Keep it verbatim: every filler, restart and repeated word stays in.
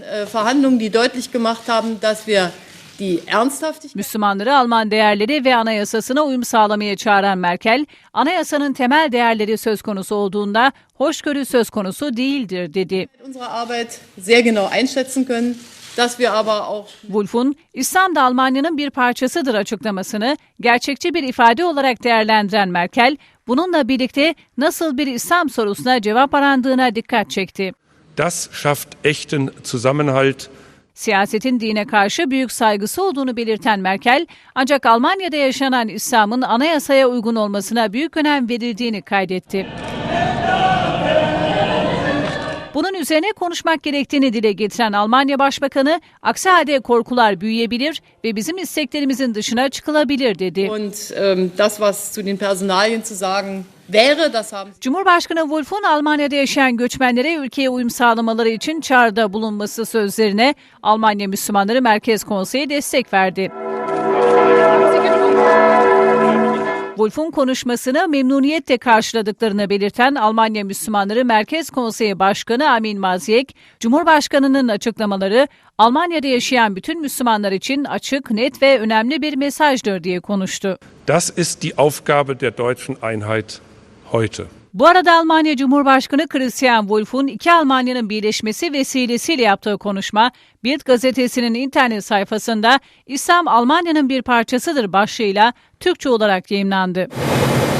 Verhandlungen, die deutlich gemacht haben, dass wir Müslümanları Alman değerleri ve anayasasına uyum sağlamaya çağıran Merkel, anayasanın temel değerleri söz konusu olduğunda hoşgörü söz konusu değildir dedi. Wolf'un İslam da Almanya'nın bir parçasıdır açıklamasını gerçekçi bir ifade olarak değerlendiren Merkel, bununla birlikte nasıl bir İslam sorusuna cevap arandığına dikkat çekti. Das schafft echten Zusammenhalt. Siyasetin dine karşı büyük saygısı olduğunu belirten Merkel, ancak Almanya'da yaşanan İslam'ın anayasaya uygun olmasına büyük önem verildiğini kaydetti. Bunun üzerine konuşmak gerektiğini dile getiren Almanya Başbakanı, aksi halde korkular büyüyebilir ve bizim isteklerimizin dışına çıkılabilir dedi. Und, um, das, was zu den Personalien zu sagen wäre, das haben... Cumhurbaşkanı Wolf'un Almanya'da yaşayan göçmenlere ülkeye uyum sağlamaları için çağrıda bulunması sözlerine Almanya Müslümanları Merkez Konseyi destek verdi. Wolf'un konuşmasını memnuniyetle karşıladıklarını belirten Almanya Müslümanları Merkez Konseyi Başkanı Amin Maziyek, Cumhurbaşkanı'nın açıklamaları Almanya'da yaşayan bütün Müslümanlar için açık, net ve önemli bir mesajdır diye konuştu. Das ist die Aufgabe der deutschen Einheit heute. Bu arada Almanya Cumhurbaşkanı Christian Wolff'un iki Almanya'nın birleşmesi vesilesiyle yaptığı konuşma, Bild gazetesinin internet sayfasında İslam Almanya'nın bir parçasıdır başlığıyla Türkçe olarak yayımlandı.